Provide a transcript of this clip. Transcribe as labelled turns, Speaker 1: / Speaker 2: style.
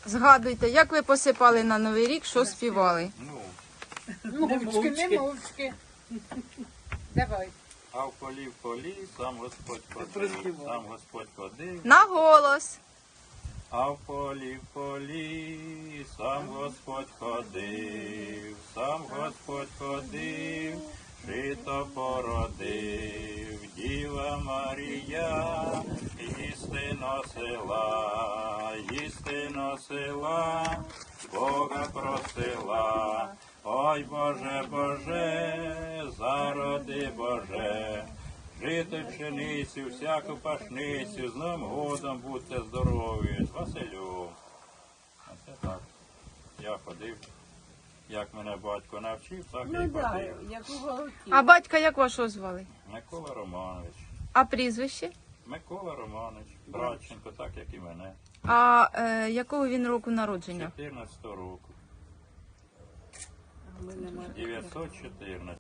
Speaker 1: Згадуйте, як ви посипали на Новий рік, що співали?
Speaker 2: Мовчки, не мовчки. Давай.
Speaker 3: А в полі, сам Господь ходив, сам Господь ходив.
Speaker 1: На голос.
Speaker 3: А в полі, сам Господь ходив, сам Господь ходив, жито породив, Діва Марія, їсти носила, Бога просила. Ой, Боже, Боже, зароди, Боже, жити пшеницю, всяку пашницю, з Новим годом будьте здорові, з Василю. Оце так. Я ходив, як мене батько навчив, так я й ходив.
Speaker 2: як у голоті.
Speaker 1: А батька як вашого звали?
Speaker 3: Микола Романович.
Speaker 1: А прізвище?
Speaker 3: Микола Романович, Братченко, так як і мене.
Speaker 1: А якого він року народження?
Speaker 3: 14 року. 914.